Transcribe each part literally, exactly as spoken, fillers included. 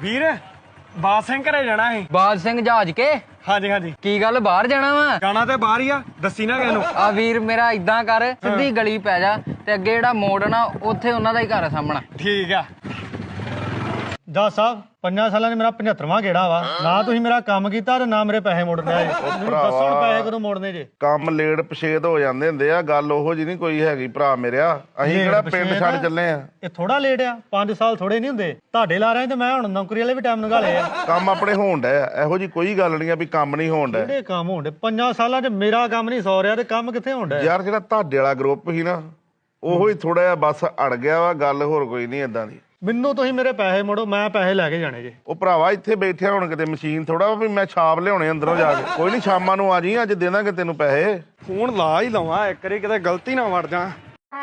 ਵੀਰ ਬਾਦ ਸਿੰਘ ਘਰੇ ਜਾਣਾ ਸੀ। ਬਾਦ ਸਿੰਘ ਜਹਾਜ ਕੇ? ਹਾਂਜੀ ਹਾਂਜੀ। ਕੀ ਗੱਲ ਬਾਹਰ ਜਾਣਾ ਵਾ? ਜਾਣਾ ਤੇ ਬਾਹਰ ਹੀ ਆ, ਦੱਸੀ ਨਾ ਕਿਸੇ ਨੂੰ। ਆ ਵੀਰ ਮੇਰਾ ਇਦਾਂ ਕਰ, ਸਿੱਧੀ ਗਲੀ ਪੈ ਜਾ ਤੇ ਅੱਗੇ ਜਿਹੜਾ ਮੋੜ ਨਾ ਉੱਥੇ ਉਹਨਾਂ ਦਾ ਹੀ ਘਰ ਆ ਸਾਹਮਣਾ। ਠੀਕ ਆ। ਜੱਜ ਸਾਹਿਬ ਪੰਜਾਂ ਸਾਲਾਂ ਨੇ ਮੇਰਾ ਪਝੱਤਰਵਾਂ ਗੇੜਾ ਵਾ ਨਾ ਤੁਸੀਂ ਮੇਰਾ ਕੰਮ ਕੀਤਾ ਤੇ ਨਾ ਮੇਰੇ ਪੈਸੇ ਮੋੜਨੇ ਆਏ। ਮੈਨੂੰ ਦੱਸੋ ਹੁਣ ਪੈਸੇ ਕਦੋਂ ਮੋੜਨੇ ਜੇ? ਕੰਮ ਲੇਟ ਪਛੇਤ ਹੋ ਜਾਂਦੇ ਹੁੰਦੇ ਆ, ਗੱਲ ਉਹੋ ਜੀ ਨਹੀਂ ਕੋਈ ਹੈਗੀ ਭਰਾ ਮੇਰਿਆ। ਅਸੀਂ ਕਿਹੜਾ ਪਿੰਡ ਛੱਡ ਚੱਲੇ ਆ। ਇਹ ਥੋੜਾ ਲੇਟ ਆ, ਪੰਜ ਸਾਲ ਥੋੜੇ ਨਹੀਂ ਹੁੰਦੇ। ਤੁਹਾਡੇ ਲਾ ਰਹੇ ਤੇ ਮੈਂ ਹੁਣ ਨੌਕਰੀ ਵਾਲੇ ਵੀ ਟਾਈਮ ਲਗਾ ਲਏ ਆ। ਕੰਮ ਆਪਣੇ ਹੋਣ ਡਿਆ, ਇਹੋ ਜੀ ਕੋਈ ਗੱਲ ਨਹੀਂ ਆ ਵੀ ਕੰਮ ਨਹੀਂ ਹੋਣ ਡਿਆ। ਕਿਹੜੇ ਕੰਮ ਹੋਣ ਡੇ? ਪੰਜਾਂ ਸਾਲਾਂ 'ਚ ਮੇਰਾ ਕੰਮ ਨਹੀਂ ਸੌ ਰਿਹਾ ਤੇ ਕੰਮ ਕਿੱਥੇ ਹੋਣ ਡਿਆ? ਯਾਰ ਜਿਹੜਾ ਤੁਹਾਡੇ ਵਾਲਾ ਗਰੁੱਪ ਸੀ ਨਾ ਉਹੋ ਹੀ ਥੋੜਾ ਜਿਹਾ ਬਸ ਅੜ ਗਿਆ ਵਾ, ਗੱਲ ਹੋਰ ਕੋਈ ਨਹੀਂ ਏਦਾਂ ਦੀ। ਮੈਨੂੰ ਤੁਸੀਂ ਮੇਰੇ ਪੈਸੇ ਮੋੜੋ, ਮੈਂ ਪੈਸੇ ਲੈ ਕੇ ਜਾਣੇ ਜੇ। ਉਹ ਭਰਾਵਾ ਇੱਥੇ ਬੈਠਿਆ ਹੁਣ ਕਿਤੇ ਮਸ਼ੀਨ ਥੋੜਾ ਵੀ ਮੈਂ ਛਾਪ ਲਿਆਉਣੇ ਅੰਦਰੋਂ ਜਾ ਕੇ। ਕੋਈ ਨਹੀਂ ਸ਼ਾਮਾਂ ਨੂੰ ਆ ਜੀ, ਅੱਜ ਦੇ ਦਾਂਗੇ ਤੈਨੂੰ ਪੈਸੇ। ਫੋਨ ਲਾ ਹੀ ਲਵਾਂ ਇੱਕ ਵਾਰੀ, ਕਿਤੇ ਗਲਤੀ ਨਾ ਵੜ ਜਾ।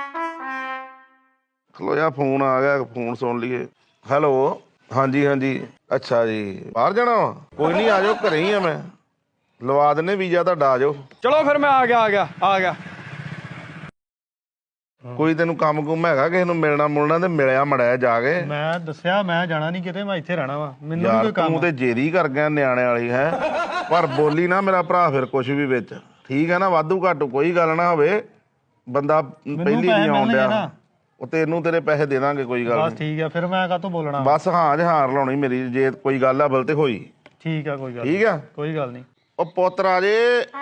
ਖਲੋ ਜਾ, ਫੋਨ ਆ ਗਿਆ, ਫੋਨ ਸੁਣ ਲਈਏ। ਹੈਲੋ, ਹਾਂਜੀ ਹਾਂਜੀ, ਅੱਛਾ ਜੀ ਬਾਹਰ ਜਾਣਾ ਵਾ? ਕੋਈ ਨਹੀਂ ਆ ਜਾਓ, ਘਰੇ ਹੀ ਆ ਮੈਂ, ਲਵਾ ਦਿੰਨੇ ਵੀਜ਼ਾ ਤੁਹਾਡਾ, ਆ ਜਾਓ। ਚਲੋ ਫਿਰ ਮੈਂ ਆ ਗਿਆ ਆ ਗਿਆ ਆ ਗਿਆ। ਕੋਈ ਤੈਨੂੰ ਕੰਮ ਕੁਮ ਹੈਗਾ ਕਿਸੇ ਨੂੰ ਮਿਲਣਾ ਮੁਲਣਾ ਤੇ ਮਿਲਿਆ ਮੜਿਆ ਜਾ ਕੇ। ਮੈਂ ਦੱਸਿਆ ਮੈਂ ਜਾਣਾ ਨਹੀਂ ਕਿਤੇ, ਮੈਂ ਇੱਥੇ ਰਹਿਣਾ ਵਾ। ਮੈਨੂੰ ਯਾਰ ਕੋਈ ਕੰਮ ਤੂੰ ਤੇ ਜੇਰੀ ਕਰ ਗਿਆ ਨਿਆਣੇ ਵਾਲੀ ਹੈ, ਪਰ ਬੋਲੀ ਨਾ ਮੇਰਾ ਭਰਾ ਫਿਰ ਕੁਛ ਵੀ ਵਿੱਚ, ਠੀਕ ਹੈ ਨਾ? ਵਾਧੂ ਘਾਟੂ ਕੋਈ ਗੱਲ ਨਾ ਹੋਵੇ, ਬੰਦਾ ਪਹਿਲੀ ਨਹੀਂ ਆਉਣ ਡਿਆ। ਉਹ ਤੈਨੂੰ ਤੇਰੇ ਪੈਸੇ ਦੇ ਦਾਂਗੇ, ਕੋਈ ਗੱਲ ਬਸ ਠੀਕ ਆ। ਫਿਰ ਮੈਂ ਕਾਹਤੋਂ ਬੋਲਣਾ? ਬਸ ਹਾਂ ਜਹਾਰ ਲਾਉਣੀ ਮੇਰੀ, ਜੇ ਕੋਈ ਗੱਲ ਆ ਬਲ ਤੇ ਹੋਈ। ਠੀਕ ਆ, ਕੋਈ ਗੱਲ ਠੀਕ ਆ, ਕੋਈ ਗੱਲ ਨਹੀਂ। ਉਹ ਪੁੱਤ ਰਾਜੇ,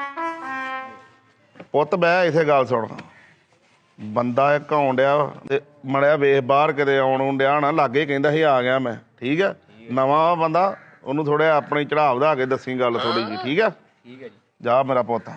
ਪੁੱਤ ਬਹਿ ਇੱਥੇ, ਗੱਲ ਸੁਣ। ਬੰਦਾ ਇੱਕ ਆਉਣ ਡਿਆ ਤੇ ਮੜਿਆ ਵੇਖ ਬਾਹਰ ਕਿਤੇ ਆਉਣ ਆਉਣ ਡਿਆ ਨਾ, ਲਾਗੇ ਕਹਿੰਦਾ ਸੀ ਆ ਗਿਆ ਮੈਂ, ਠੀਕ ਆ? ਨਵਾਂ ਬੰਦਾ, ਉਹਨੂੰ ਥੋੜਾ ਆਪਣੀ ਚੜਾਅ ਵਧਾ ਕੇ ਦੱਸੀ ਗੱਲ ਥੋੜੀ ਜੀ, ਠੀਕ ਆ? ਠੀਕ ਹੈ ਜੀ। ਜਾ ਮੇਰਾ ਪੁੱਤ।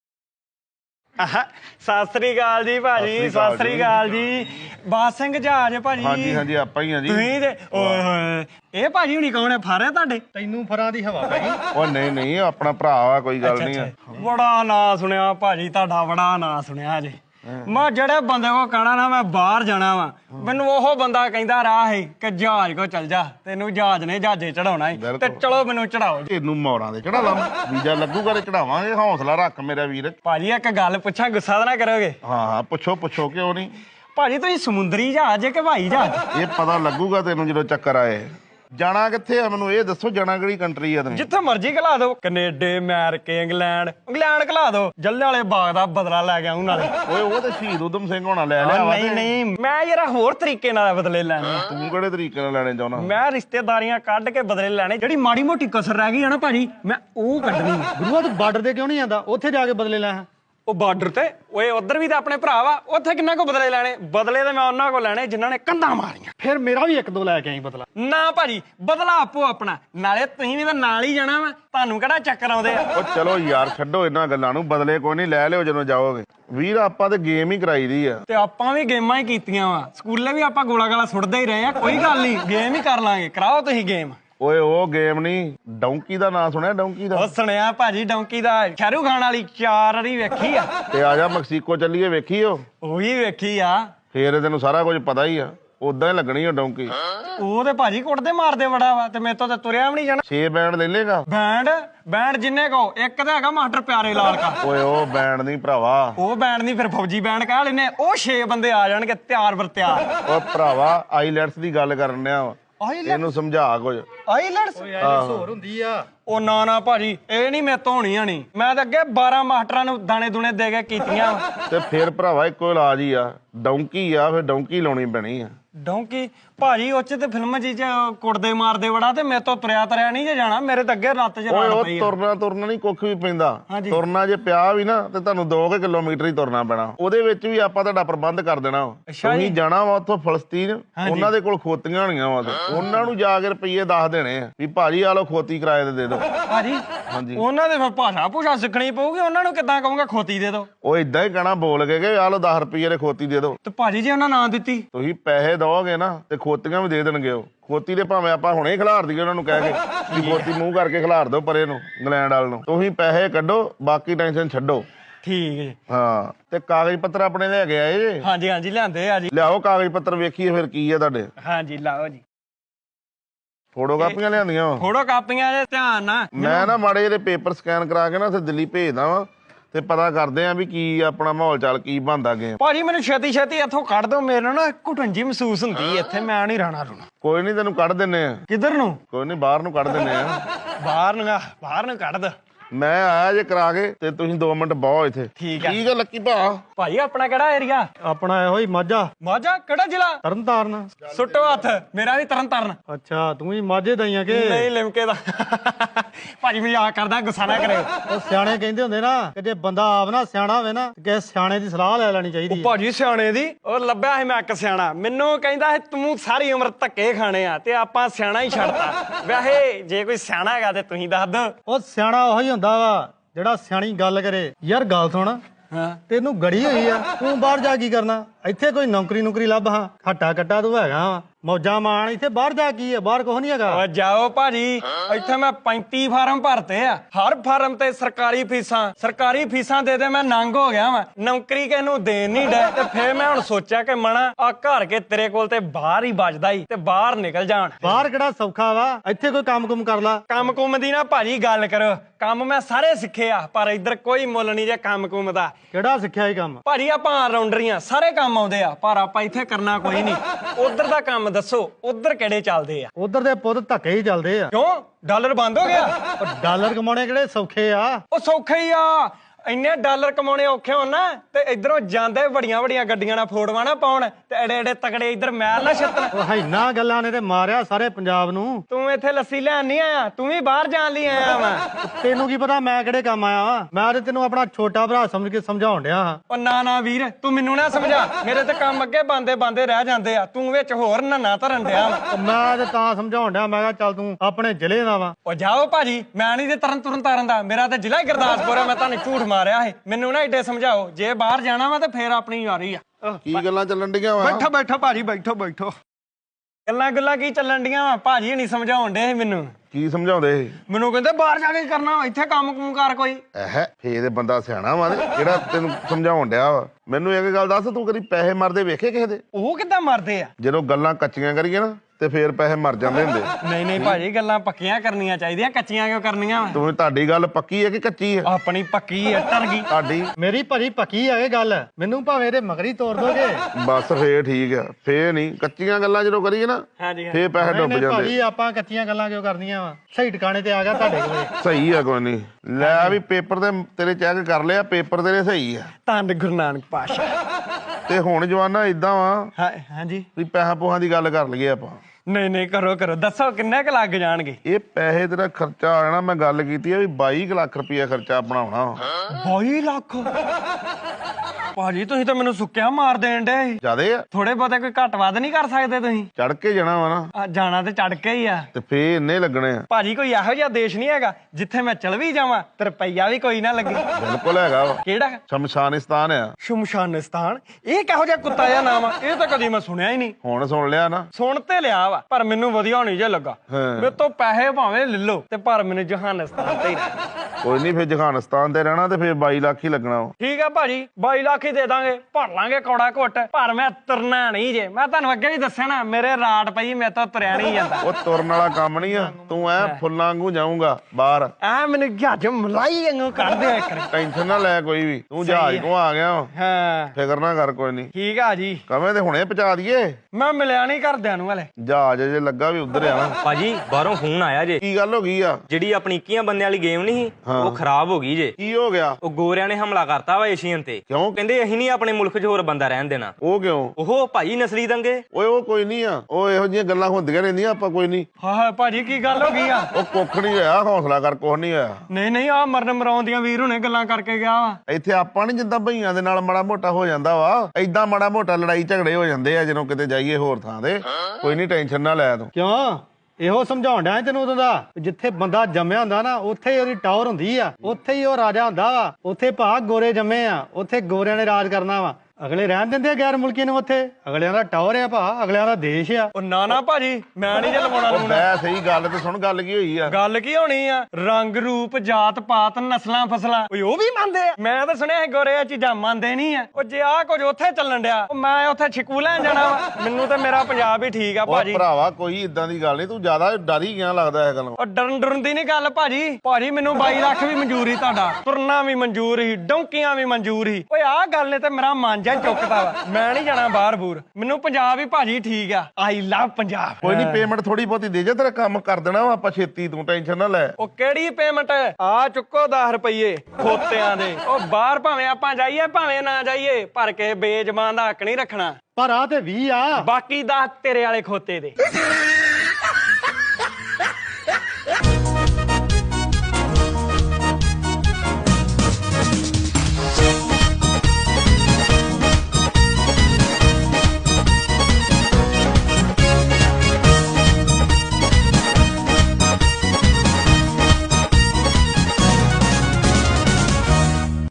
ਸਤਿ ਸ੍ਰੀ ਅਕਾਲ ਜੀ ਭਾਜੀ। ਸਤਿ ਸ੍ਰੀ ਅਕਾਲ ਜੀ। ਬਾਦ ਸਿੰਘ ਜਹਾਜ ਭਾਜੀ? ਹਾਂਜੀ ਹਾਂਜੀ, ਆਪਾਂ ਹੀ ਆ ਜੀ। ਤੁਸੀਂ ਤੇ ਓਏ ਹੋਏ, ਇਹ ਭਾਜੀ ਹੁਣੀ ਕੌਣ ਹੈ? ਫਾਰੇ ਤੁਹਾਡੇ? ਤੈਨੂੰ ਫਰਾਂ ਦੀ ਹਵਾ ਪੈ ਗਈ? ਉਹ ਨਹੀਂ ਨਹੀਂ, ਆਪਣਾ ਭਰਾ ਆ, ਕੋਈ ਗੱਲ ਨਹੀਂ ਆ। ਬੜਾ ਨਾਂ ਸੁਣਿਆ ਭਾਜੀ ਤੁਹਾਡਾ, ਬੜਾ ਨਾਂ ਸੁਣਿਆ ਜੀ। ਮੈਂ ਜਿਹੜੇ ਬੰਦੇ ਕੋ ਕਹਿਣਾ ਨਾ ਮੈਂ ਬਾਹਰ ਜਾਣਾ ਵਾ, ਮੈਨੂੰ ਉਹ ਬੰਦਾ ਕਹਿੰਦਾ ਰਾਹ ਹੈ ਕਿ ਜਹਾਜ਼ ਕੋ ਚੱਲ ਜਾ, ਤੈਨੂੰ ਜਹਾਜ਼ ਨੇ ਜਹਾਜ਼ੇ ਚੜਾਉਣਾ ਹੈ ਤੇ ਚਲੋ ਮੈਨੂੰ ਚੜਾਓ। ਤੈਨੂੰ ਮੌਰਾਂ ਦੇ ਚੜਾ ਲਾ, ਵੀਜ਼ਾ ਲੱਗੂਗਾ ਤੇ ਚੜਾਵਾਂਗੇ। ਹੌਸਲਾ ਰੱਖ ਮੇਰਾ ਵੀਰ। ਭਾਜੀ ਇੱਕ ਗੱਲ ਪੁੱਛਾਂ, ਗੁੱਸਾ ਤਾਂ ਨਾ ਕਰੋਗੇ? ਹਾਂ ਹਾਂ, ਪੁੱਛੋ ਪੁੱਛੋ, ਕਿਉਂ ਨਹੀਂ। ਭਾਜੀ ਤੁਸੀਂ ਸਮੁੰਦਰੀ ਜਹਾਜ਼ ਕਿ ਹਵਾਈ ਜਹਾਜ਼? ਇਹ ਪਤਾ ਲੱਗੂਗਾ ਤੈਨੂੰ ਜਦੋਂ ਚੱਕਰ ਆਏ। ਜਾਣਾ ਕਿੱਥੇ ਆ ਮੈਨੂੰ ਇਹ ਦੱਸੋ, ਜਾਣਾ ਕਿਹੜੀ ਕੰਟਰੀ ਆ ਤੈਨੂੰ? ਜਿੱਥੇ ਮਰਜ਼ੀ ਘਲਾ ਦਿਓ, ਕੈਨੇਡਾ, ਅਮਰੀਕਾ, ਇੰਗਲੈਂਡ। ਇੰਗਲੈਂਡ ਘਲਾ ਦਿਓ, ਜੱਲੇ ਵਾਲੇ ਬਾਗ ਦਾ ਬਦਲਾ ਲੈ ਕੇ ਆਉਂ ਨਾਲੇ। ਓਏ ਉਹ ਤੇ ਸ਼ਹੀਦ ਊਧਮ ਸਿੰਘ ਹੋਣਾ ਲੈ ਲਿਆ ਵਾ। ਨਹੀਂ ਨਹੀਂ, ਮੈਂ ਯਾਰ ਹੋਰ ਤਰੀਕੇ ਨਾਲ ਬਦਲੇ ਲੈਣੇ। ਤੂੰ ਕਿਹੜੇ ਤਰੀਕੇ ਨਾਲ ਲੈਣੇ ਚਾਹੁੰਦਾ? ਮੈਂ ਰਿਸ਼ਤੇਦਾਰੀਆਂ ਕੱਢ ਕੇ ਬਦਲੇ ਲੈਣੇ, ਜਿਹੜੀ ਮਾੜੀ ਮੋਟੀ ਕਸਰ ਰਹਿ ਗਈ ਆ ਨਾ ਭਾਜੀ, ਮੈਂ ਉਹ ਕੱਢਣੀ। ਗੁਰੂਆ ਤੂੰ ਬਾਰਡਰ ਤੇ ਕਿਉਂ ਨਹੀਂ ਜਾਂਦਾ? ਉੱਥੇ ਜਾ ਕੇ ਬਦਲੇ ਲੈ। ਉਹ ਬਾਰਡਰ ਤੇ ਓਏ ਉਧਰ ਵੀ ਤਾਂ ਆਪਣੇ ਭਰਾ ਵਾ, ਉੱਥੇ ਕਿੰਨਾ ਕੋ ਬਦਲੇ ਲੈਣੇ? ਬਦਲੇ ਤੇ ਮੈਂ ਉਹਨਾਂ ਕੋ ਲੈਣੇ ਜਿਨ੍ਹਾਂ ਨੇ ਕੰਧਾਂ ਮਾਰੀਆਂ। ਫਿਰ ਮੇਰਾ ਵੀ ਇੱਕ ਦੋ ਲੈ ਕੇ ਆਈ ਬਦਲਾ। ਨਾ ਭਾਜੀ, ਬਦਲਾ ਆਪੋ ਆਪਣਾ, ਨਾਲੇ ਤੁਸੀਂ ਵੀ ਤਾਂ ਨਾਲ ਹੀ ਜਾਣਾ ਵਾ, ਤੁਹਾਨੂੰ ਕਿਹੜਾ ਚੱਕਰ ਆਉਂਦੇ ਆ? ਉਹ ਚਲੋ ਯਾਰ ਛੱਡੋ ਇਹਨਾਂ ਗੱਲਾਂ ਨੂੰ, ਬਦਲੇ ਕੋਈ ਨਹੀਂ, ਲੈ ਲਿਓ ਜਦੋਂ ਜਾਓਗੇ। ਵੀਰ ਆਪਾਂ ਤੇ ਗੇਮ ਹੀ ਕਰਾਈ ਦੀ ਆ। ਤੇ ਆਪਾਂ ਵੀ ਗੇਮਾਂ ਹੀ ਕੀਤੀਆਂ ਵਾ, ਸਕੂਲੇ ਵੀ ਆਪਾਂ ਗੋਲਾ ਗਾਲਾ ਸੁੱਟਦੇ ਹੀ ਰਹੇ ਆ। ਕੋਈ ਗੱਲ ਨਹੀਂ, ਗੇਮ ਹੀ ਕਰ ਲਾਂਗੇ, ਕਰਾਓ ਤੁਸੀਂ ਗੇਮ। ਓਏ ਉਹ ਗੇਮ ਨਹੀਂ, ਡੌਂਕੀ ਦਾ ਨਾਂ ਸੁਣਿਆ? ਡੌਂਕੀ ਦਾ ਉਹ ਸੁਣਿਆ ਭਾਜੀ, ਡੌਂਕੀ ਦਾ, ਸ਼ਾਹਰੁਖ ਖਾਨ ਵਾਲੀ ਚਾਰ ਵਾਰੀ ਵੇਖੀ ਆ। ਤੇ ਆ ਜਾ ਮੈਕਸੀਕੋ ਚੱਲੀਏ, ਵੇਖੀ ਉਹ? ਉਹੀ ਵੇਖੀ ਆ। ਫੇਰ ਤੈਨੂੰ ਸਾਰਾ ਕੁਝ ਪਤਾ ਹੀ ਆ, ਉਦਾਂ ਹੀ ਲੱਗਣੀ ਆ ਡੌਂਕੀ। ਉਹ ਤੇ ਭਾਜੀ ਕੁੱਟਦੇ ਮਾਰਦੇ ਬੜਾ ਵਾ, ਤੇ ਮੇਰੇ ਤੋਂ ਤਾਂ ਤੁਰਿਆ ਵੀ ਨਹੀਂ ਜਾਣਾ। ਛੇ ਬੈਂਡ ਲੈ ਲੇਗਾ? ਬੈਂਡ ਬੈਂਡ ਜਿੰਨੇ ਕੋ, ਇੱਕ ਤਾਂ ਹੈਗਾ ਮਾਸਟਰ ਪਿਆਰੇ ਲਾਲ ਕਾ। ਓਏ ਉਹ ਬੈਂਡ ਨਹੀਂ ਭਰਾਵਾ, ਉਹ ਬੈਂਡ ਨਹੀਂ, ਫਿਰ ਫੌਜੀ ਬੈਂਡ ਕਹਿ ਲੈਨੇ। ਉਹ ਛੇ ਬੰਦੇ ਆ ਜਾਣਗੇ ਤਿਆਰ ਬਰ ਤਿਆਰ। ਓ ਭਰਾਵਾ ਆਈਲੈਟਸ ਦੀ ਗੱਲ ਕਰਨ ਡਿਆ ਵਾ, ਇਹਨੂੰ ਸਮਝਾ ਕੁਝ। ਆਈਲੈਟਸ? ਹੋਰ ਹੁੰਦੀ ਆ। ਉਹ ਨਾ ਨਾ ਭਾਜੀ, ਇਹ ਨਹੀਂ ਮੇਰੇ ਤੋਂ ਹੋਣੀ ਆਣੀ। ਮੈਂ ਤਾਂ ਅੱਗੇ ਬਾਰਾਂ ਮਾਸਟਰਾਂ ਨੂੰ ਦਾਣੇ ਦੁਣੇ ਦੇ ਕੇ ਕੀਤੀਆਂ। ਤੇ ਫਿਰ ਭਰਾਵਾ ਇੱਕੋ ਇਲਾਜ ਹੀ ਆ, ਡੌਂਕੀ ਆ, ਫਿਰ ਡੌਂਕੀ ਲਾਉਣੀ ਪੈਣੀ ਆ। ਡੌਂਕੀ ਭਾਜੀ ਉਹ ਚ ਤੇ ਫਿਲਮ ਜੀ ਚ ਕੁੱਟਦੇ ਮਾਰਦੇ ਬੜਾ, ਤੇ ਮੇਰੇ ਤੋਂ ਤੁਰਿਆ ਤਰਿਆ ਨਹੀਂ ਜੇ ਜਾਣਾ। ਮੇਰੇ ਤਾਂ ਅੱਗੇ ਲੱਤ ਚ ਓਏ ਰਾੜ ਉਹ ਪਈ ਆ। ਤੁਰਨਾ ਤੁਰਨਾ ਨਹੀਂ ਕੁੱਖ ਵੀ ਪੈਂਦਾ। ਹਾਂਜੀ। ਤੁਰਨਾ ਜੇ ਪਿਆ ਵੀ ਨਾ ਤੇ ਤੁਹਾਨੂੰ ਦੋ ਕੁ ਕਿਲੋਮੀਟਰ ਹੀ ਤੁਰਨਾ ਪੈਣਾ। ਉਹਦੇ ਵਿੱਚ ਵੀ ਆਪਾਂ ਤੁਹਾਡਾ ਪ੍ਰਬੰਧ ਕਰ ਦੇਣਾ। ਤੁਸੀਂ ਜਾਣਾ ਵਾ ਉੱਥੋਂ ਫਲਸਤੀਨ, ਉਹਨਾਂ ਦੇ ਕੋਲ ਖੋਤੀਆਂ ਹੋਣੀਆਂ ਵਾ, ਉਹਨਾਂ ਨੂੰ ਜਾ ਕੇ ਰੁਪਈਏ ਦੱਸ ਦੇਣੇ ਆ ਵੀ ਭਾਜੀ ਆ ਲਓ ਖੋਤੀ ਕਿਰਾਏ ਤੇ ਦੇ ਦਿਓ। ਭਾਜੀ ਹਾਂਜੀ, ਉਹਨਾਂ ਦੇ ਫਿਰ ਭਾਸ਼ਾ ਭੂਸ਼ਾ ਸਿੱਖਣੀ ਪਊਗੀ। ਉਹਨਾਂ ਨੂੰ ਕਿੱਦਾਂ ਕਹੂੰਗਾ ਖੋਤੀ ਦੇ ਦਿਓ? ਉਹ ਇਦਾਂ ਹੀ ਕਹਿਣਾ ਬੋਲ ਕੇ ਕਿ ਆ ਲਓ ਦਸ ਰੁਪਈਏ ਦੇ ਖੋਤੀ ਦੇ ਦਿਓ। ਤੇ ਭਾਜੀ ਜੇ ਉਹਨਾਂ ਨਾਂ ਦਿੱਤੀ? ਤੁਸੀਂ ਪੈਸੇ ਦਓਗੇ ਨਾ ਤੇ ਖੋਤੀਆਂ ਵੀ ਦੇ ਦੇਣਗੇ ਉਹ। ਖੋਤੀ ਦੇ ਭਾਵੇਂ ਆਪਾਂ ਹੁਣੇ ਹੀ ਖਿਲਾਰ ਦਈਏ ਉਹਨਾਂ ਨੂੰ ਕਹਿ ਕੇ ਵੀ ਖੋਤੀ ਮੂੰਹ ਕਰਕੇ ਖਿਲਾਰ ਦਿਓ ਪਰੇ ਨੂੰ, ਇੰਗਲੈਂਡ ਵਾਲ ਨੂੰ। ਤੁਸੀਂ ਪੈਸੇ ਕੱਢੋ, ਬਾਕੀ ਟੈਨਸ਼ਨ ਛੱਡੋ। ਠੀਕ ਜੀ। ਹਾਂ, ਤੇ ਕਾਗਜ਼ ਪੱਤਰ ਆਪਣੇ ਲੈ ਕੇ ਆਏ ਜੇ? ਹਾਂਜੀ ਹਾਂਜੀ ਲਿਆਂਦੇ ਆ ਜੀ। ਲਿਆਓ ਕਾਗਜ਼ ਪੱਤਰ, ਵੇਖੀਏ ਫਿਰ ਕੀ ਆ ਤੁਹਾਡੇ। ਹਾਂਜੀ ਲਾਓ ਜੀ। ਫੋਟੋ ਕਾਪੀਆਂ ਲਿਆਂਦੀਆਂ ਵਾ? ਫੋਟੋ ਕਾਪੀਆਂ ਦੇ ਧਿਆਨ ਨਾਲ। ਮੈਂ ਨਾ ਮਾੜੇ ਜਿਹੇ ਪੇਪਰ ਸਕੈਨ ਕਰਾ ਕੇ ਨਾ ਉੱਥੇ ਦਿੱਲੀ ਭੇਜਦਾ ਵਾ, ਤੇ ਪਤਾ ਕਰਦੇ ਆ ਵੀ ਕੀ ਆਪਣਾ ਮਾਹੌਲ ਚਾਲ ਕੀ ਬਣਦਾ ਗੇਮ। ਭਾਜੀ ਮੈਨੂੰ ਛੇਤੀ ਛੇਤੀ ਇੱਥੋਂ ਕੱਢ ਦਿਓ, ਮੇਰੇ ਨਾ ਘੁਟਨ ਜੀ ਮਹਿਸੂਸ ਹੁੰਦੀ ਹੈ ਇੱਥੇ, ਮੈਂ ਨਹੀਂ ਰਹਿਣਾ ਰੁਣਾ। ਕੋਈ ਨਹੀਂ ਤੈਨੂੰ ਕੱਢ ਦਿੰਨੇ ਆ। ਕਿੱਧਰ ਨੂੰ? ਕੋਈ ਨਹੀਂ ਬਾਹਰ ਨੂੰ ਕੱਢ ਦਿੰਨੇ ਆ। ਬਾਹਰ ਨੂੰ ਆ, ਬਾਹਰ ਨੂੰ ਕੱਢ ਦੋ। ਮੈਂ ਆਇਆ ਜੇ ਕਰਾ ਕੇ ਤੇ ਤੁਸੀਂ ਦੋ ਮਿੰਟ ਬਹੁ ਇੱਥੇ। ਠੀਕ ਆ। ਠੀਕ ਆ ਲੱਕੀ ਭਾ। ਭਾਜੀ ਆਪਣਾ ਕਿਹੜਾ ਏਰੀਆ? ਆਪਣਾ ਇਹੋ ਹੀ ਮਾਝਾ ਮਾਝਾ ਕਿਹੜਾ ਜ਼ਿਲ੍ਹਾ? ਤਰਨਤਾਰਨ। ਸੁੱਟੋ ਹੱਥ, ਮੇਰਾ ਵੀ ਤਰਨ ਤਾਰਨ। ਅੱਛਾ ਤੂੰ ਵੀ ਮਾਝੇ ਦਾ ਹੀ ਆ ਕਿ? ਨਹੀਂ ਲਿਮਕੇ ਦਾ। ਭਾਜੀ ਮਜ਼ਾਕ ਕਰਦਾ, ਗੁੱਸਾ ਨਾ ਕਰਿਓ। ਉਹ ਸਿਆਣੇ ਕਹਿੰਦੇ ਹੁੰਦੇ ਨਾ ਕਿ ਜੇ ਬੰਦਾ ਆਪ ਨਾ ਸਿਆਣਾ ਹੋਵੇ ਨਾ ਕਿਸੇ ਸਿਆਣੇ ਦੀ ਸਲਾਹ ਲੈ ਲੈਣੀ ਚਾਹੀਦੀ ਹੈ। ਭਾਜੀ ਸਿਆਣੇ ਦੀ ਉਹ ਲੱਭਿਆ ਸੀ ਮੈਂ ਇੱਕ ਸਿਆਣਾ, ਮੈਨੂੰ ਕਹਿੰਦਾ ਸੀ ਤੂੰ ਸਾਰੀ ਉਮਰ ਧੱਕੇ ਖਾਣੇ ਆ ਤੇ ਆਪਾਂ ਸਿਆਣਾ ਹੀ ਛੱਡਤਾ। ਵੈਸੇ ਜੇ ਕੋਈ ਸਿਆਣਾ ਹੈਗਾ ਤੇ ਤੁਸੀਂ ਦੱਸ ਦਿਓ। ਉਹ ਸਿਆਣਾ ਉਹੀ ਹੁੰਦਾ ਵਾ ਜਿਹੜਾ ਸਿਆਣੀ ਗੱਲ ਕਰੇ। ਯਾਰ ਗੱਲ ਸੁਣ, ਹਾਂ ਤੈਨੂੰ ਗੜੀ ਹੋਈ ਆ, ਤੂੰ ਬਾਹਰ ਜਾ ਕੀ ਕਰਨਾ? ਇੱਥੇ ਕੋਈ ਨੌਕਰੀ ਨੌਕਰੀ ਲੱਭ ਹਾਂ, ਖੱਟਾ ਕੱਟਾ ਤੂੰ ਹੈਗਾ ਵਾ, ਮੌਜਾਂ ਮਾਣ। ਇੱਥੇ ਬਾਹਰ ਜਾ ਕੀ ਹੈ? ਬਾਹਰ ਕੁਛ ਨਹੀਂ ਹੈਗਾ। ਓ ਜਾਓ ਭਾਜੀ, ਇੱਥੇ ਮੈਂ ਪੈਂਤੀ ਫਾਰਮ ਭਰਤੇ ਆ, ਹਰ ਫਾਰਮ ਤੇ ਸਰਕਾਰੀ ਫੀਸਾਂ ਸਰਕਾਰੀ ਫੀਸਾਂ ਦੇ ਦੇ ਮੈਂ ਨੰਗ ਹੋ ਗਿਆ ਵਾਂ। ਨੌਕਰੀ ਕਿਸੇ ਨੂੰ ਦੇਣ ਨਹੀਂ ਡੇ ਤੇ ਫੇਰ ਮੈਂ ਹੁਣ ਸੋਚਿਆ ਕਿ ਮਣਾ ਆ ਘਰ ਕੇ ਤੇਰੇ ਕੋਲ ਤੇ ਬਾਹਰ ਹੀ ਵੱਜਦਾ ਹੀ ਤੇ ਬਾਹਰ ਨਿਕਲ ਜਾਣ। ਬਾਹਰ ਕਿਹੜਾ ਸੌਖਾ ਵਾ? ਇੱਥੇ ਕੋਈ ਕੰਮ ਕੁਮ ਕਰ ਲਾ। ਕੰਮ ਕੁਮ ਦੀ ਨਾ ਭਾਜੀ ਗੱਲ ਕਰੋ, ਕੰਮ ਮੈਂ ਸਾਰੇ ਸਿੱਖੇ ਆ ਪਰ ਇੱਧਰ ਕੋਈ ਮੁੱਲ ਨਹੀਂ ਜੇ ਕੰਮ ਕੁਮ ਦਾ। ਕਿਹੜਾ ਸਿੱਖਿਆ ਇਹ ਕੰਮ? ਭਾਜੀ ਆਪਾਂ ਰਾਉਂਡਰੀਆਂ ਸਾਰੇ ਕੰਮ ਆਉਂਦੇ ਆ ਪਰ ਆਪਾਂ ਇੱਥੇ ਕਰਨਾ ਕੋਈ ਨਹੀਂ। ਉਧਰ ਦਾ ਕੰਮ ਦੱਸੋ, ਉਧਰ ਕਿਹੜੇ ਚੱਲਦੇ ਆ? ਉਧਰ ਦੇ ਪੁੱਤ ਧੱਕੇ ਹੀ ਚੱਲਦੇ ਆ। ਕਿਉਂ ਡਾਲਰ ਬੰਦ ਹੋ ਗਿਆ? ਉਹ ਡਾਲਰ ਕਮਾਉਣੇ ਕਿਹੜੇ ਸੌਖੇ ਆ? ਉਹ ਸੌਖੇ ਹੀ ਆ, ਇੰਨੇ ਡਾਲਰ ਕਮਾਉਣੇ ਔਖੇ ਹੋਣ ਨਾ ਤੇ ਇਧਰੋਂ ਜਾਂਦੇ ਵੱਡੀਆਂ ਵੱਡੀਆਂ ਗੱਡੀਆਂ ਨਾਲ ਫੋਟੋਆਂ ਨਾ ਪਾਉਣ ਤੇ ਐਡੇ ਐਡੇ ਤਕੜੇ ਇਧਰ ਮੈਲ ਨਾ ਛੱਤਣ। ਉਹ ਹੈਨਾ ਗੱਲਾਂ ਨੇ ਤੇ ਮਾਰਿਆ ਸਾਰੇ ਪੰਜਾਬ ਨੂੰ। ਤੂੰ ਇੱਥੇ ਲੱਸੀ ਲੈਣ ਨਹੀਂ ਆਇਆ, ਤੂੰ ਵੀ ਬਾਹਰ ਜਾਣ ਲਈ ਆਇਆ ਵਾ। ਤੈਨੂੰ ਕੀ ਪਤਾ ਮੈਂ ਕਿਹੜੇ ਕੰਮ ਆਇਆ ਵਾਂ? ਮੈਂ ਤੇ ਤੈਨੂੰ ਆਪਣਾ ਛੋਟਾ ਭਰਾ ਸਮਝ ਕੇ ਸਮਝਾਉਣ ਡਿਆ ਹਾਂ। ਉਹ ਨਾ ਨਾ ਵੀਰ, ਤੂੰ ਮੈਨੂੰ ਨਾ ਸਮਝਾ, ਮੇਰੇ ਤੇ ਕੰਮ ਅੱਗੇ ਬੰਦੇ ਬੰਦੇ ਰਹਿ ਜਾਂਦੇ ਆ, ਤੂੰ ਵਿੱਚ ਹੋਰ ਨੰਨਾ ਧਰਨ ਡਿਆ ਵਾ। ਉਹ ਮੈਂ ਤੇ ਤਾਂ ਸਮਝਾਉਣ ਡਿਆ, ਮੈਂ ਕਿਹਾ ਚੱਲ ਤੂੰ ਆਪਣੇ ਜ਼ਿਲ੍ਹੇ ਦਾ ਵਾ। ਉਹ ਜਾਓ ਭਾਜੀ, ਮੈਂ ਨਹੀਂ ਤੇ ਤਰਨ ਤੁਰਨ ਤਾਰਨ ਦਾ, ਮੇਰਾ ਤੇ ਜ਼ਿਲ੍ਹਾ ਹੀ ਗੁਰਦਾਸਪੁਰ ਆ। ਮੈਂ ਤੁਹਾਨੂੰ ਝੂਠ ਮਾਰਿਆ ਹੈ, ਮੈਨੂੰ ਨਾ ਏਡੇ ਸਮਝਾਓ। ਜੇ ਬਾਹਰ ਜਾਣਾ ਵਾ ਤੇ ਫੇਰ ਆਪਣੀ ਯਾਰੀ ਆ। ਕੀ ਗੱਲਾਂ ਚੱਲਣ ਡੀਆਂ ਵਾ? ਬੈਠੋ ਬੈਠੋ ਭਾਜੀ, ਬੈਠੋ ਬੈਠੋ। ਗੱਲਾਂ ਗੱਲਾਂ ਕੀ ਚੱਲਣ ਡੀਆਂ ਵਾ? ਭਾਜੀ ਨਹੀਂ ਸਮਝਾਉਣ ਡੇ ਮੈਨੂੰ। ਕੀ ਸਮਝਾਉਂਦੇ ਸੀ? ਮੈਨੂੰ ਕਹਿੰਦੇ ਬਾਹਰ ਜਾ ਕੇ ਕੀ ਕਰਨਾ, ਇੱਥੇ ਕੰਮ ਕੁਮ ਕਰ ਕੋਈ। ਐਹ ਫੇਰ ਇਹ ਬੰਦਾ ਸਿਆਣਾ ਵਾ ਤੇ ਜਿਹੜਾ ਤੈਨੂੰ ਸਮਝਾਉਣ ਡਿਆ ਵਾ। ਮੈਨੂੰ ਇੱਕ ਗੱਲ ਦੱਸ, ਤੂੰ ਕਦੀ ਪੈਸੇ ਮਰਦੇ ਵੇਖੇ ਕਿਸੇ ਦੇ? ਉਹ ਕਿੱਦਾਂ ਮਰਦੇ ਆ? ਜਦੋਂ ਗੱਲਾਂ ਕੱਚੀਆਂ ਕਰੀਏ ਨਾ ਤੇ ਫੇਰ ਪੈਸੇ ਮਰ ਜਾਂਦੇ ਹੁੰਦੇ। ਨਹੀਂ ਨਹੀਂ ਭਾਜੀ, ਗੱਲਾਂ ਪੱਕੀਆਂ ਕਰਨੀਆਂ ਚਾਹੀਦੀਆਂ, ਕੱਚੀਆਂ ਕਿਉਂ ਕਰਨੀਆਂ ਵਾ? ਤੂੰ ਤੁਹਾਡੀ ਗੱਲ ਪੱਕੀ ਹੈ ਕਿ ਕੱਚੀ ਹੈ? ਆਪਣੀ ਪੱਕੀ ਹੈ, ਟਰ ਗਈ। ਤੁਹਾਡੀ ਮੇਰੀ ਭਰੀ ਪੱਕੀ ਆ ਇਹ ਗੱਲ। ਮੈਨੂੰ ਭਾਵੇਂ ਇਹਦੇ ਮਗਰੀ ਤੋੜ ਦੋਗੇ। ਬਸ ਫੇਰ ਠੀਕ ਆ। ਫੇਰ ਨਹੀਂ ਕੱਚੀਆਂ ਗੱਲਾਂ ਜਦੋਂ ਕਰੀਏ ਨਾ ਹਾਂਜੀ ਫੇਰ ਪੈਸੇ ਡੁੱਬ ਨਹੀਂ ਜਾਂਦੇ। ਭਾਜੀ ਆਪਾਂ ਕੱਚੀਆਂ ਗੱਲਾਂ ਕਿਉਂ ਕਰਨੀਆਂ ਵਾ? ਸਹੀ ਟਿਕਾਣੇ ਤੇ ਆ ਗਿਆ ਤੁਹਾਡੇ ਕੋਲੇ। ਸਹੀ ਆ, ਕੋਈ ਨਹੀਂ। ਲੈ ਵੀ ਪੇਪਰ ਤੇ ਤੇਰੇ ਚੈੱਕ ਕਰ ਲਿਆ, ਪੇਪਰ ਤੇਰੇ ਸਹੀ ਆ। ਧੰਨ ਗੁਰੂ ਨਾਨਕ ਪਾਸ਼ਾ। ਤੇ ਹੁਣ ਜਵਾਨਾ ਇਦਾਂ ਵਾ ਹਾਂ ਹਾਂਜੀ। ਵੀ ਪੈਸਾ ਪੂਹਾਂ ਦੀ ਗੱਲ ਕਰ ਲਈਏ ਆਪਾਂ। ਨਹੀਂ ਨਹੀਂ ਕਰੋ ਕਰੋ, ਦੱਸੋ ਕਿੰਨੇ ਕੁ ਲੱਗ ਜਾਣਗੇ? ਇਹ ਪੈਸੇ ਤੇਰਾ ਖਰਚਾ ਆ ਜਾਣਾ। ਮੈਂ ਗੱਲ ਕੀਤੀ ਆ ਵੀ ਬਾਈ ਕੁ ਲੱਖ ਰੁਪਇਆ ਖਰਚਾ ਬਣਾਉਣਾ। ਬਾਈ ਲੱਖ? ਭਾਜੀ ਤੁਸੀਂ ਤਾਂ ਮੈਨੂੰ ਸੁੱਕਿਆ ਮਾਰ ਦੇਣ ਡੇ। ਜਿਆਦੇ ਆ? ਥੋੜੇ ਬਹੁਤੇ ਕੋਈ ਘੱਟ ਵੱਧ ਨਹੀਂ ਕਰ ਸਕਦੇ ਤੁਸੀਂ? ਚੜ ਕੇ ਜਾਣਾ ਵਾ ਨਾ ਆ ਜਾਣਾ ਤੇ ਚੜ ਕੇ ਹੀ ਆ। ਤੇ ਫੇਰ ਇੰਨੇ ਲੱਗਣੇ ਆ। ਭਾਜੀ ਕੋਈ ਇਹੋ ਜਿਹਾ ਦੇਸ਼ ਨਹੀਂ ਹੈਗਾ ਜਿੱਥੇ ਮੈਂ ਚਲ ਵੀ ਜਾਵਾਂ ਤੇ ਰੁਪਈਆ ਵੀ ਕੋਈ ਨਾ ਲੱਗੇ। ਬਿਲਕੁਲ ਹੈਗਾ ਵਾ। ਕਿਹੜਾ? ਸ਼ਮਸ਼ਾਨਿਸਤਾਨ ਆ। ਸ਼ਮਸ਼ਾਨਿਸਤਾਨ? ਇਹ ਕਿਹੋ ਜਿਹਾ ਕੁੱਤਾ ਜਿਹਾ ਨਾਮ ਆ? ਇਹ ਤਾਂ ਕਦੀ ਮੈਂ ਸੁਣਿਆ ਹੀ ਨਹੀਂ। ਹੁਣ ਸੁਣ ਲਿਆ ਨਾ? ਸੁਣ ਤੇ ਲਿਆ ਵਾ ਪਰ ਮੈਨੂੰ ਵਧੀਆ ਨਹੀਂ ਜੇ ਲੱਗਾ। ਹਾਂ। ਮੇਰੇ ਤੋਂ ਪੈਸੇ ਭਾਵੇਂ ਲੈ ਲਓ ਤੇ ਪਰ ਮੈਨੂੰ ਜਹਾਨਿਸਤਾਨ ਤੇ ਹੀ ਰਹਿਣਾ। ਕੋਈ ਨਹੀਂ, ਫੇਰ ਜਹਾਨਿਸਤਾਨ ਤੇ ਰਹਿਣਾ ਤੇ ਫੇਰ ਬਾਈ ਲੱਖ ਹੀ ਲੱਗਣਾ ਵਾ। ਠੀਕ ਆ ਭਾਜੀ, ਬਾਈ ਲੱਖ ਹੀ ਦੇ ਦਾਂਗੇ, ਭਰ ਲਾਂਗੇ ਕੌੜਾ ਘੁੱਟ। ਪਰ ਮੈਂ ਤੁਰਨਾ ਨਹੀਂ ਜੇ, ਮੈਂ ਤੁਹਾਨੂੰ ਅੱਗੇ ਵੀ ਦੱਸਿਆ ਨਾ, ਮੇਰੇ ਰਾਟ ਪਈ, ਮੇਰੇ ਤੋਂ ਤੁਰਿਆ ਨਹੀਂ ਜਾਂਦਾ। ਉਹ ਤੁਰਨ ਵਾਲਾ ਕੰਮ ਨਹੀਂ ਆ। ਤੂੰ ਐ ਫੁੱਲਾਂ ਵਾਂਗੂ ਜਾਊਂਗਾ ਬਾਹਰ। ਐ ਮੈਨੂੰ ਜਹਾਜ਼ ਮਲਾਈ ਵਾਂਗੂ ਕੱਢ ਦਿਓ ਇੱਕ ਵਾਰੀ। ਟੈਨਸ਼ਨ ਨਾ ਲੈ ਕੋਈ ਵੀ। ਤੂੰ ਜਹਾਜ਼ ਕੋ ਆ ਗਿਆ ਵਾ। ਹਾਂ ਫਿਕਰ ਨਾ ਕਰ, ਕੋਈ ਨਹੀਂ। ਠੀਕ ਆ ਜੀ। ਕਵੇਂ ਤੇ ਹੁਣੇ ਪਹੁੰਚਾ ਦਈਏ। ਮੈਂ ਮਿਲਿਆ ਨਹੀਂ ਘਰਦਿਆਂ ਨੂੰ ਹਲੇ। ਜਹਾਜ਼ ਜੇ ਲੱਗਾ ਵੀ ਉਧਰ ਆ ਨਾ। ਭਾਜੀ ਬਾਹਰੋਂ ਫੋਨ ਆਇਆ ਜੇ। ਕੀ ਗੱਲ ਹੋ ਗਈ ਆ? ਜਿਹੜੀ ਆਪਣੀ ਇੱਕੀਆਂ ਬੰਦਿਆਂ ਵਾਲੀ ਗੇਮ ਨਹੀਂ ਸੀ, ਉਹ ਖਰਾਬ ਹੋ ਗਈ ਜੇ। ਕੀ ਹੋ ਗਿਆ? ਉਹ ਗੋਰਿਆਂ ਨੇ ਹਮਲਾ ਕਰਤਾ ਵਾ ਏਸ਼ੀਅਨ ਤੇ। ਕਿਉਂ? ਕਹਿੰਦੇ ਅਸੀਂ ਨਹੀਂ ਆਪਣੇ ਮੁਲਕ 'ਚ ਹੋਰ ਬੰਦਾ ਰਹਿਣ ਦੇਣਾ। ਉਹ ਕਿਉਂ? ਉਹ ਭਾਜੀ ਨਸਲੀ ਦੰਗੇ। ਓਏ ਉਹ ਕੋਈ ਨਹੀਂ ਆ। ਉਹ ਇਹੋ ਜਿਹੀਆਂ ਗੱਲਾਂ ਹੁੰਦੀਆਂ ਰਹਿੰਦੀਆਂ, ਆਪਾਂ ਕੋਈ ਨਹੀਂ। ਹਾਂ ਹਾਂ ਭਾਜੀ ਕੀ ਗੱਲ ਹੋ ਗਈ ਆ? ਉਹ ਕੁੱਖ ਨਹੀਂ ਹੋਇਆ, ਹੌਸਲਾ ਕਰ, ਕੁਛ ਨਹੀਂ ਹੋਇਆ। ਨਹੀਂ ਨਹੀਂ ਆ ਮਰਨ ਮਰਾਉਣ ਦੀਆਂ ਵੀਰ ਹੁਣੇ ਗੱਲਾਂ ਕਰਕੇ ਗਿਆ ਵਾ। ਇੱਥੇ ਆਪਾਂ ਨੀ ਜਿੱਦਾਂ ਭਈਆਂ ਦੇ ਨਾਲ ਮਾੜਾ ਮੋਟਾ ਹੋ ਜਾਂਦਾ ਵਾ, ਏਦਾਂ ਮਾੜਾ ਮੋਟਾ ਲੜਾਈ ਝਗੜੇ ਹੋ ਜਾਂਦੇ ਆ ਜਦੋਂ ਕਿਤੇ ਜਾਈਏ ਹੋਰ ਥਾਂ ਤੇ। ਕੋਈ ਨਹੀਂ, ਟੈਨਸ਼ਨ ਨਾ ਲੈ ਤੂੰ। ਕਿਉਂ? ਇਹੋ ਸਮਝਾਉਣ ਡਿਆ ਤੈਨੂੰ ਉਦੋਂ ਦਾ। ਜਿੱਥੇ ਬੰਦਾ ਜੰਮਿਆ ਹੁੰਦਾ ਨਾ ਉੱਥੇ ਹੀ ਉਹਦੀ ਟਾਵਰ ਹੁੰਦੀ ਆ, ਉੱਥੇ ਹੀ ਉਹ ਰਾਜਾ ਹੁੰਦਾ ਵਾ। ਉੱਥੇ ਭਾ ਗੋਰੇ ਜੰਮੇ ਆ, ਉੱਥੇ ਗੋਰਿਆਂ ਨੇ ਰਾਜ ਕਰਨਾ ਵਾ। ਅਗਲੇ ਰਹਿਣ ਦਿੰਦੇ ਆ ਗੈਰ ਮੁਲਕੀ ਨੂੰ ਉੱਥੇ। ਅਗਲਿਆਂ ਦਾ ਟੌਰ ਆ ਭਾ, ਅਗਲਿਆਂ ਦਾ ਦੇਸ਼ ਆ। ਉਹ ਨਾ ਨਾ ਭਾਜੀ ਮੈਂ ਨਹੀਂ ਜੇ ਲਵਾਉਣਾ ਉਹ ਲੂਣਾ। ਬੈ ਸਹੀ ਗੱਲ ਤੇ ਸੁਣ, ਗੱਲ ਕੀ ਹੋਈ ਆ? ਗੱਲ ਕੀ ਹੋਣੀ ਆ? ਰੰਗ ਰੂਪ ਜਾਤ ਪਾਤ ਨਸਲਾਂ ਫਸਲਾਂ ਓਏ ਉਹ ਵੀ ਮੰਨਦੇ ਆ। ਮੈਂ ਤਾਂ ਸੁਣਿਆ ਸੀ ਗੋਰੇ ਇਹ ਚੀਜ਼ਾਂ ਮੰਨਦੇ ਨਹੀਂ ਆ। ਉਹ ਜੇ ਆ ਕੁਝ ਉੱਥੇ ਚੱਲਣ ਡਿਆ ਉਹ ਮੈਂ ਉੱਥੇ ਛਿਕੂ ਲੈਣ ਜਾਣਾ ਵਾ। ਮੈਨੂੰ ਤਾਂ ਮੇਰਾ ਪੰਜਾਬ ਹੀ ਠੀਕ ਆ ਉਹ ਭਾਜੀ। ਭਰਾਵਾ ਕੋਈ ਇਦਾਂ ਦੀ ਗੱਲ ਨਹੀਂ, ਤੂੰ ਜ਼ਿਆਦਾ ਡਰ ਹੀ ਗਿਆ ਲੱਗਦਾ ਇਹ ਗੱਲੋਂ। ਉਹ ਡਰਨ ਡਰਨ ਦੀ ਨਹੀਂ ਗੱਲ ਭਾਜੀ। ਭਾਜੀ ਮੈਨੂੰ ਬਾਈ ਲੱਖ ਵੀ ਮਨਜ਼ੂਰ ਹੀ ਤੁਹਾਡਾ, ਤੁਰਨਾ ਵੀ ਮਨਜ਼ੂਰ ਹੀ, ਡੌਂਕੀਆਂ ਵੀ ਮਨਜ਼ੂਰ ਹੀ। ਓਏ ਆਹ ਗੱਲ ਨੇ ਤੇ ਮੇਰਾ ਮਨ ਜਾ ਚੁੱਕਦਾ ਵਾ। ਮੈਂ ਨਹੀਂ ਜਾਣਾ ਬਾਹਰ ਬੂਰ, ਮੈਨੂੰ ਪੰਜਾਬ ਹੀ ਭਾਜੀ ਠੀਕ ਆ। ਆਈ ਲਵ ਪੰਜਾਬ। ਕੋਈ ਨਹੀਂ, ਪੇਮੈਂਟ ਥੋੜੀ ਬਹੁਤੀ ਦੇ ਜਾ, ਤੇਰਾ ਕੰਮ ਕਰ ਦੇਣਾ ਵਾ ਆਪਾਂ ਛੇਤੀ, ਤੂੰ ਟੈਨਸ਼ਨ ਨਾ ਲੈ। ਉਹ ਕਿਹੜੀ ਪੇਮੈਂਟ? ਆ ਚੁੱਕੋ ਦਸ ਰੁਪਏ ਖੋਤਿਆਂ ਦੇ। ਉਹ ਬਾਹਰ ਭਾਵੇਂ ਆਪਾਂ ਜਾਈਏ ਭਾਵੇਂ ਨਾ ਜਾਈਏ, ਪਰ ਕੇ ਬੇਜ਼ਬਾਨ ਦਾ ਹੱਕ ਨਹੀਂ ਰੱਖਣਾ। ਪਰ ਆ ਤੇ ਵੀਹ ਆ। ਬਾਕੀ ਦਸ ਤੇਰੇ ਵਾਲੇ ਖੋਤੇ ਦੇ।